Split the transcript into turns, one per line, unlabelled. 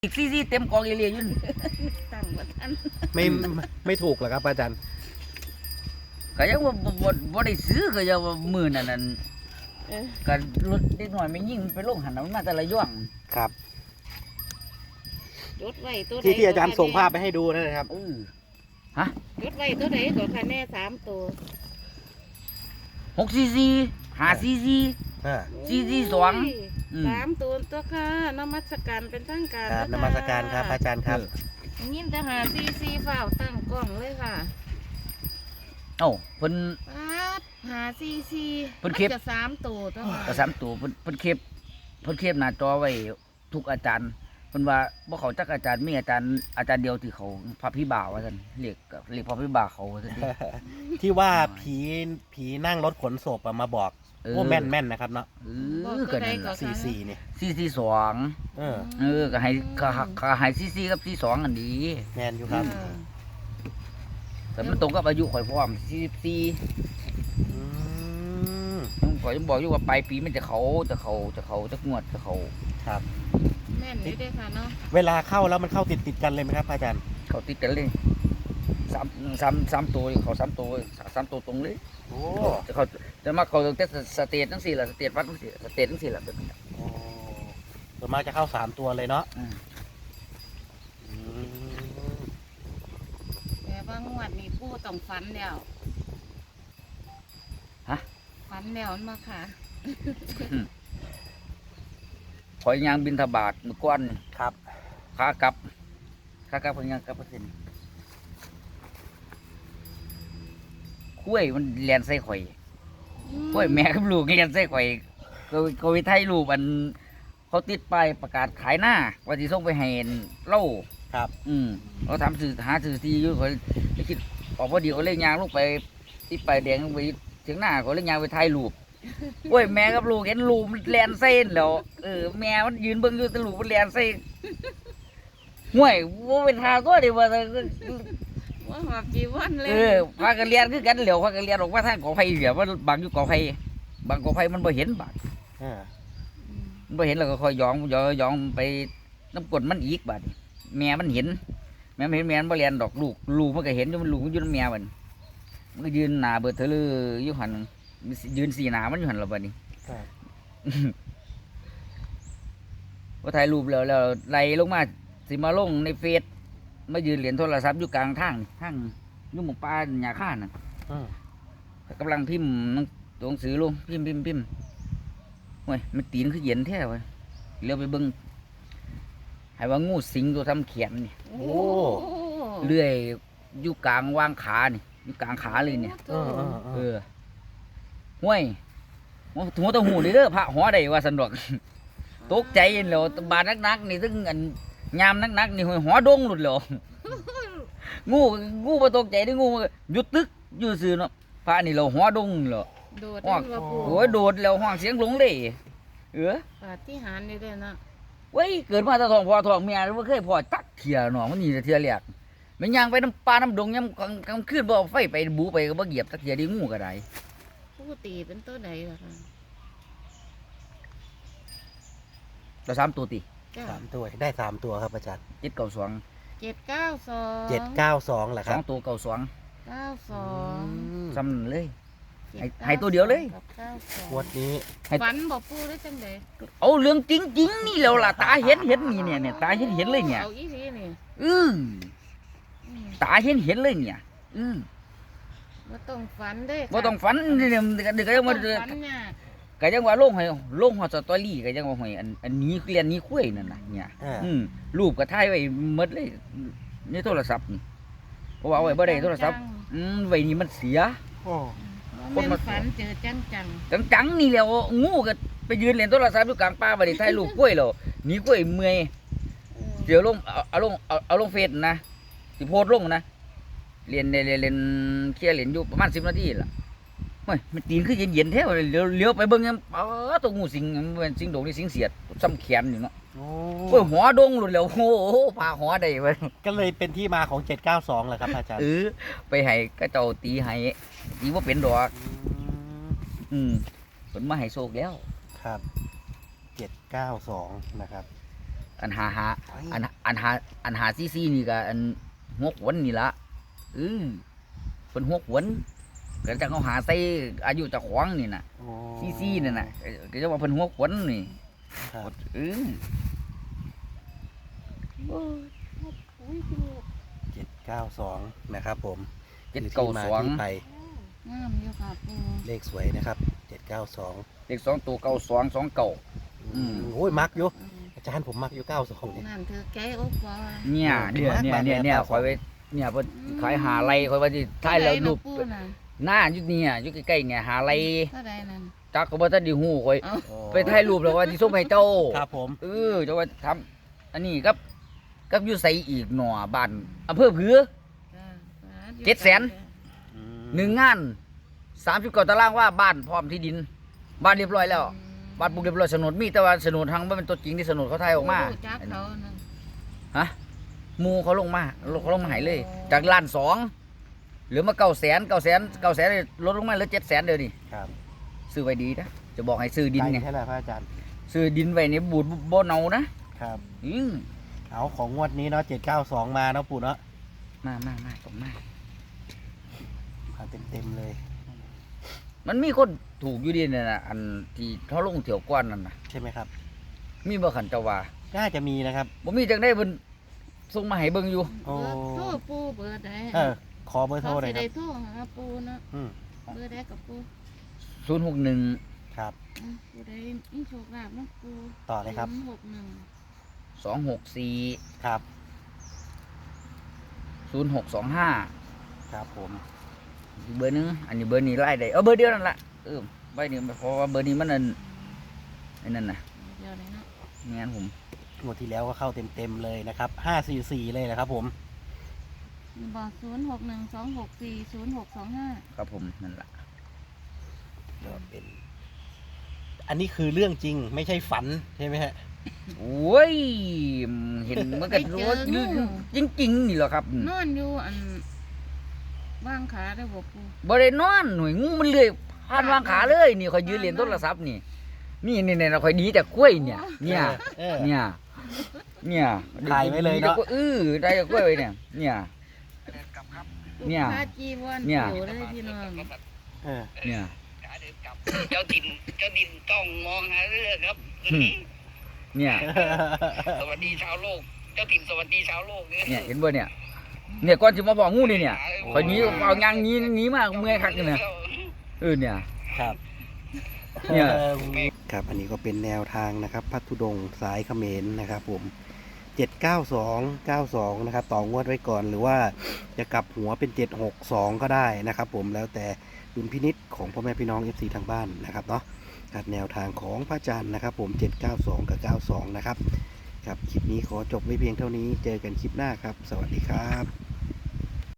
อีกซี่เต็มกองเอเลียยุ่น
ตั้งบ่ทัน
ไม่ถูกเหรอครับอาจารย์
ก็ยังว่าบ่ได้ซื้อก็ยังว่ามื้อนั้น
เออ
ก็รถเด็กน้อยไม่ยิ่งไปลงหันมันมาแต่ละย่วง
ครับ
จดไว้ตัวใด
ที่อาจารย์ส่งภาพไปให้ดูนั่นนะครับ
จดไว้ตัวใดก็คะแนน3ตัว
6 cc 5 cc
อ่า
cc 2
3ตัวตัวค่ะนมัสการเป็นทางการ
ครับนมัสการครับอาจารย์ครับ
ยินแต่หาซีฝ้าวตั้งกล้องเลยค่ะ
เอ้าเพิ่น
ป๊าดหาซี
เพิ่นเก็บ
จะ3ตัวตัวค่ะ
ก็3ตัวเพิ่นเก็บหน้าจอไว้ทุกอาจารย์เพิ่นว่าบ่เขาจักอาจารย์มีอาจารย์เดียวที่เขาพระพิบ่าวว่าซั่นเรียกพระพิบ่าวเขาว่าซั่นดิ
ที่ว่าผีนั่งรถขนศพอะมาบอกโอ้แม่นนะครับเนาะ
ก็นั่นล่ะ
44นี่
cc 2
เออ
ก็ให้cc กับ c 2อันนี้
แม่นอยู่ครับ
แต่มันตรงกับอายุข่อยพร้อม44
อืม
ข่อยยังบอกอยู่ว่าปลายปีมันจะเขาจะงวดจะเขา
ครับ
แม่นเลยเด้อค่ะเนาะ
เวลาเข้าแล้วมันเข้าติดกันเลยไหมครับอาจารย์
เขาติดกันเลยสามตัวเขา3 ตัวตรงเลย
โอ้
จะมาเขาแต่สเตททั้ง4ล่ะสเตทวัดทั้ง4สเตททั้ง4ล่ะแบบนี้
โอ้ส่วนมากจะเข้า3ตัวเลยเนาะ
อืม
อืม
แต่ว่างวดนี้ปู่ต้องฝันแล้วฝันแล้วมาค่ะ
ข่อยยางบินทบาทมื้อก่อน
ครับ
ขากลับเพิ่นยังกลับบ่ทันคุ้ยมันแล่นใส่ข่อยคุ้ยแม่กับลูกเล่นใส่ข่อยก็ไปถ่ายรูปอันเขาติดป้ายประกาศขายหน้าว่าสิส่งไปให้เล่า
ครับ
เราทำหาสื่อที่อยู่เขาได้คิดออกพอดีเขาเล่นยางลงไปที่ไปแดงลงไปถึงหน้าเขาเล่นยางไปถ่ายรูปโอ้ยแม่กับลูกเห็นลูกมันแลนเส้นแล้วแม่มันยืนเบิ่งอยู่แต่ลูกมันแลนเส้นห่วยว่าเป็นทาตัวเดียวว่า
ว่าหอบจีวันเลย
พากันเรียนคือกันเหลียวพากันเรียนออกมาทางกอไผ่เหลียวว่าบางอยู่กอไผ่บางกอไผ่มันบ่เห็นบาด
อ่า
มันบ่เห็นแล้วก็คอยยองไปน้ำกรดมันอีกบาดแม่มันเห็นแม่มันบ่เรียนดอกลูกมันก็เห็นอยู่มันลูกมันอยู่น้ำแม่มันก็ยืนหน้าเบิดเธอเลยอยู่หันยืนสีหน้ามันอยู่หันแล้วบัดนี้
ครับ
พอถ่ายรูปแล้วไล่ลงมาสิมาลงในเฟซมายืนเหรียญโทรศัพท์อยู่กลางทางอยู่หมู่ป่าหญ้าข้าน่ะ
อืม
กำลังพิมพ์ตัวหนังสือลงพิมพ์โอ้ยมันตีนคือเย็นแท้เว้ยเลี้ยวไปเบิ่งให้ว่างูสิงตัวทำเขียนนี่
โอ้
เลื่อยอยู่กลางวางขานี่อยู่กลางขาเลยเนี่ย ห้วยหัวตะหูนี่เด้อพระหัวใดว่าสันดอก ตกใจแล้วบาดนักๆนี่ถึงอันยามนักๆนี่หัวดงหลุดแล้วงูบ่ตกใจเด้องูหยุดตึกอยู่ซื่อเนาะพระนี่เราหัวดงแล้ว
โดดจังว่าปู่
โอ้ยโดดแล้วห้องเสียงหลงเลย
ปาฏิหาริย์นี่เด้อเนาะ
เว้ยเกิดมาแตะท้องพ่อท้องเมียบ่เคยพ่อจักเที่ยเนาะมันนี่แต่เที่ยแรกมันย่างไปน้ำป่าน้ำดงยามกลางคืนบ่เอาไฟไปบูไปก็บ่เหยียบจักเที่ยดิงูก็ได้
ปู่ตีเป็นตัวใดล่ะค่ะ
เรา3ตัวติ
จ้า
3 ตัวได้3ตัวครับอาจารย์
792
792
792เหรอครับ
2ตัว92
92
ซ้ำนั่นเลย ให้ตัวเดียวเลย
กับ
งวดนี้
92ฝันบ่ปู่ได้จังได๋
เอาเรื่องจริงๆนี่แล้วล่ะตาเห็นนี่เนี่ยตาเห็นเลยเนี่ย
เอาอีหลีนี่
อือ
อืม
ตาเห็นเลยเนี่ยอือ
บ่ต้องฝันเด้
บ่ต้องฝันนี่เดี๋ยวก็ยังมา
บ่ต้องฝันยาก
ก็ยังว่าลงฮอดสตอรี่ก็ยังว่าห้อยอันนี้เรียนนี้คุยนั่นน่ะเนี่ยรูปก็ถ่ายไว้หมดเลยในโทรศัพท์นี่เพราะว่าเอาไว้บ่ได้โทรศัพท์ไว้นี่มันเสีย
โอ้
แม่นฝันเจอจัง
จังๆนี่แหล้วงูก็ไปยืนเล่นโทรศัพท์อยู่กลางป่าบ่ได้ถ่ายรูปกล้วยแล้วหนีกล้วยเมื่อย
ๆ
เดี๋ยวลงเอาลงเฟซนะสิโพสต์ลงนะเรียนเคลียร์เรียนอยู่ประมาณ10 นาทีล่ะเฮ้ยมันตีนคือเย็นๆแท้เลยเลี้ยวไปเบิ่งยังตัวงูสิงมันเป็นสิงโดงนี่สิงเสียดซ้ำแขนอยู่เนาะ
โอ้
โอ้ยหัวดงหลุดแล้วโอ้โหพาหัวได้เว้ย
ก็เลยเป็นที่มาของ792เหรอครับอาจารย์
ไปให้กระเจ้าตีให้ตีบ่เป็นดอก
อืม
เพิ่นมาให้โชคแล้ว
ครับ792นะครับ
อันหาอันหาซี่นี่ก็อันหัวขวนนี่ละเป็นหัวขวนก็จะเขาหาใส่อายุเจะขวางนี่น่ะ
โอ้
ซี่นั่นน่ะก็จะว่าเป็นหัวขวนนี่
ครับ
อุ้ยคือ
792นะครับผม
เจ็ด
คือ
เก้า
ที่มา
สอง
ที่ไป
งามอยู่ค่ะปู
เลขสวยนะครับ792
เลข2ตัว92 29 อืม
โอ้ยมักอยู่อาจารย์ผมมักอยู่92นี่
นั่นเธอแก้อกว่า
เนี่ยคอยไว้เนี่ยเพิ่นขายหาไรคอยว่าสิท้ายแล้วรูป
ปูน่ะ
หน้าอยู่เนี่ยอยู่ใกล้ๆเนี่ยหาไร
เท่าใดนั่น
จักก็บ่ทันได้ฮู้คอย
เอา
โอ้
ไปถ่ายรูปแล้วว่าสิส่งให้เจ้า
ครับผม
จะว่าทำอันนี้กับอยู่ใส่อีกหน่อบ้านอำเภอผือ
จ้า
700,000 หนึ่งงาน30 ตารางว่าบ้านพร้อมที่ดิน บ้านเรียบร้อยแล้วบ้านปลูกเรียบร้อยโฉนดมีแต่ว่าโฉนดทางบ่เป็นตัวจริงที่โฉนดเขาถ่ายออกมา
จักเขานั่น
ฮะหมูเขาลงมาใหายเลย จากล้าน2เหลือมา900,000ลดลงมาเหลือ700,000เดี๋ยวนี้
ครับ
ซื้อไว้ดีนะจะบอกให้ซื้อดิน
ไกล
ไง
แค่ไหนพระอาจารย์
ซื้อดินไว้ในบูดบ่เนานะครับ
เอาของงวดนี้เนาะ792มาเนาะปู่เนาะ
มาต้องมา
มาเต็มเลย
มันมีคนถูกอยู่ดีเนี่ยนะอันที่เขาลงเถี่ยวก้อนนั่นนะ
ใช่ไหมครับ
มีบ่ขันเจ้าว่า
น่าจะมีนะครับ
บ่มีจังได้เพิ่นส่งมาให้เบิ่งอยู่
โอ้
เบอร์โทรปูเบอร์ใด
ขอเบอร์โทรหน่อย
สิ
ครั
ได้
บ
โทรหาปูเนาะ
อืม
เบอร์ใดกับปู
061
ครับ
ปูใดมีโชคลาภนะปู
ต่อเลยครับ
61
264
ครับ
0625
ครับผม
อีกเบอร์หนึงอันนี้เบอร์นี้ไล่ได้เบอร์เดียวนั่นล่ะใบนี้เพราะว่าเบอร์นี้มันนั่นน่ะ
เดี๋ยวเลยเนาะ
ไม่งั้นผม
งวดที่แล้วก็เข้าเต็มเลยนะครับ544เลยนะครับผม
บอก0612640625
ครับผมนั่นล่ะ
ก็เป็น อันนี้คือเรื่องจริงไม่ใช่ฝันใช่ไหมฮะ
โอ้ยเห็นมันก็รู้ว่าจริงๆนี่เหรอครับ
นอนอยู่อันว่างขาได้บอกปู
บ่ได้นอนหน่วยงูมันเลื้อยผ่านวางขาเลยนี่คอยยืนเรียนโทรศัพท์นี่เราคอยดีแต่กล้วยเนี่ย เนี่ย
เออ
ถ่าย
ไว้เลยเนาะ
ได้แต่กล้วยไว้เนี่ยเนี่ย เนี่ย
พาจีวร
เนี่ย
อยู่เลยพี่น้อง
เออ
เนี่ย
เจ้าดินต้องมองหาเรื่องครับ
เนี่ย
สวัสดีชาวโลก เจ้าถิ่นสวัสดีชาวโลกเนี่ย
เนี่ยเห็นบ่เนี่ยก่อนสิมาบอกงูนี่เนี่ยคอยหนีเอายางหนีมากเมื่อยคักเนี่ยเนี่ย
ครับ
เนี่ย
ครับอันนี้ก็เป็นแนวทางนะครับพัทธุดงค์สายเขมรนะครับผม79292นะครับต่องวดไว้ก่อนหรือว่าจะกลับหัวเป็น762ก็ได้นะครับผมแล้วแต่ดุลพินิจของพ่อแม่พี่น้อง FC ทางบ้านนะครับเนาะครับแนวทางของพระอาจารย์นะครับผม792กับ92นะครับครับคลิปนี้ขอจบไว้เพียงเท่านี้เจอกันคลิปหน้าครับสวัสดีครับ